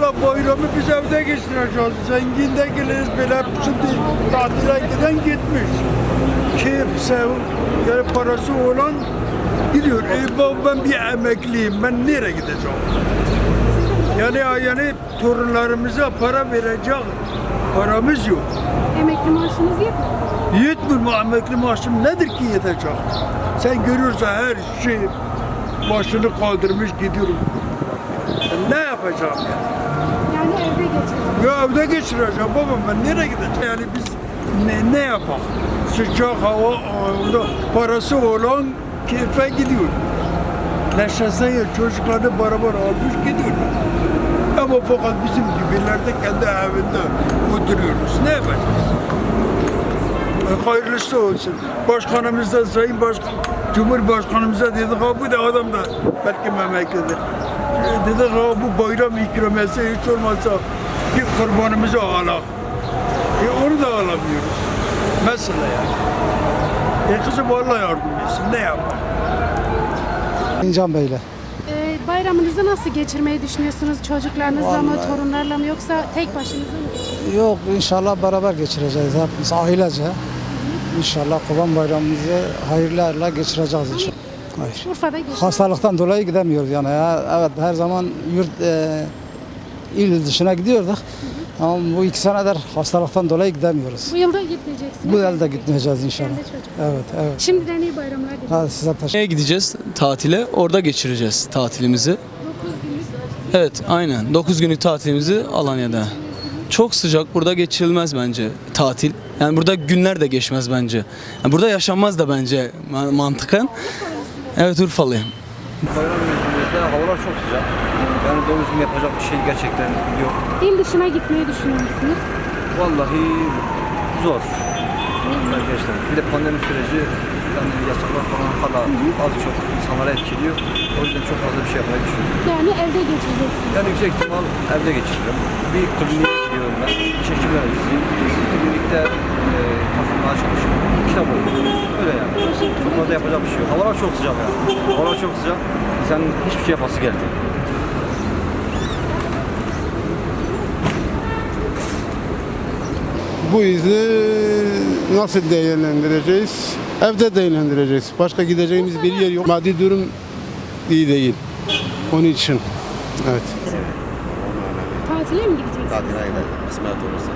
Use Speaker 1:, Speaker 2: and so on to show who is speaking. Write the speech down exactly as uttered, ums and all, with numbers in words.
Speaker 1: Vallahi bayramı biz evde geçireceğiz. Zengin de geliriz böyle şimdi tatile giden gitmiş. Keyif, sev, yani parası olan gidiyor. E bak ben bir emekliyim. Ben nereye gideceğim? Yani yani torunlarımıza para verecek paramız yok.
Speaker 2: Emekli maaşınız yetmiyor.
Speaker 1: Yetmiyor mu emekli maaşım nedir ki yetecek? Sen görüyorsun her şey başını kaldırmış gidiyorum. Ne yapacağım yani?
Speaker 2: Yani evde geçirecek.
Speaker 1: Ya evde geçireceğim babam ben nereye gideceğim? Yani biz ne, ne yapalım? Sıcak hava, onda parası olan keyfe gidiyor. Neşesine çocuklarını beraber almış gidiyor. Ama fakat bizim gibilerde kendi evinde oturuyoruz. Ne yapacağız? E, hayırlısı olsun. Başkanımız da Sayın Başkan, Cumhurbaşkanımıza dedik ha bu da adam da belki memleketi. E, dedik ha bu bayram ikramiyesi hiç olmazsa bir kurbanımızı alak. E, onu da alamıyoruz. Mesela yani. E kızım Allah yardım etsin. Ne yapalım?
Speaker 3: İncan Bey'le.
Speaker 2: Ee, bayramınızı nasıl geçirmeyi düşünüyorsunuz? Çocuklarınızla mı,
Speaker 3: Vallahi.
Speaker 2: torunlarla mı yoksa tek başınıza mı geçireceksiniz?
Speaker 3: Yok inşallah beraber geçireceğiz hepimiz ailece. İnşallah Kurban Bayramımızı hayırlarla geçireceğiz inşallah. Hayır.
Speaker 2: Urfa'da geçireceksiniz.
Speaker 3: Hastalıktan dolayı gidemiyoruz yani ya. Evet her zaman yurt e, il dışına gidiyorduk. Ama bu iki senedir hastalıktan dolayı gidemiyoruz.
Speaker 2: Bu yılda gitmeyeceksiniz.
Speaker 3: Bu yılda gitmeyeceğiz inşallah.
Speaker 2: Kendi çocuk.
Speaker 3: Evet evet.
Speaker 2: Şimdiden iyi bayramlar diliyorum.
Speaker 3: Hadi size teşekkür
Speaker 4: Nereye gideceğiz? Tatile. Orada geçireceğiz tatilimizi.
Speaker 2: dokuz günlük
Speaker 4: Evet, aynen. dokuz günlük tatilimizi Alanya'da. Çok sıcak. Burada geçirilmez bence tatil. Yani burada günler de geçmez bence. Yani burada yaşanmaz da bence ma- mantıken. Evet, Urfalıyım.
Speaker 5: Bayram mevsiminde havalar çok sıcak. Yani doğru düzgün yapacak bir şey gerçekten yok.
Speaker 2: il dışına gitmeyi düşünüyor musunuz?
Speaker 5: Vallahi zor. Arkadaşlar bir de pandemi süreci yani yasaklar falan hala az çok insanlara etkiliyor. O yüzden çok fazla bir şey yapmayı düşünüyorum.
Speaker 2: Yani evde geçireceksiniz.
Speaker 5: Yani yüksek ihtimal evde geçiririm. Bir kliniğe gidiyorum ben. Diş hekim öğrencisiyim. Klinikte e, takılmaya çalışıyorum. Kitap okuyorum. Öyle yani. Çok fazla yapacak bir şey yok. Havalar çok sıcak yani. Havalar çok sıcak. Sen hiçbir şey yapası geldi.
Speaker 6: Bu izni nasıl değerlendireceğiz? Evde değerlendireceğiz. Başka gideceğimiz bir yer yok. Maddi durum iyi değil. Onun için. Evet.
Speaker 2: Tatile mi gideceksiniz?
Speaker 5: Tatile gidelim. Kısmet olursa.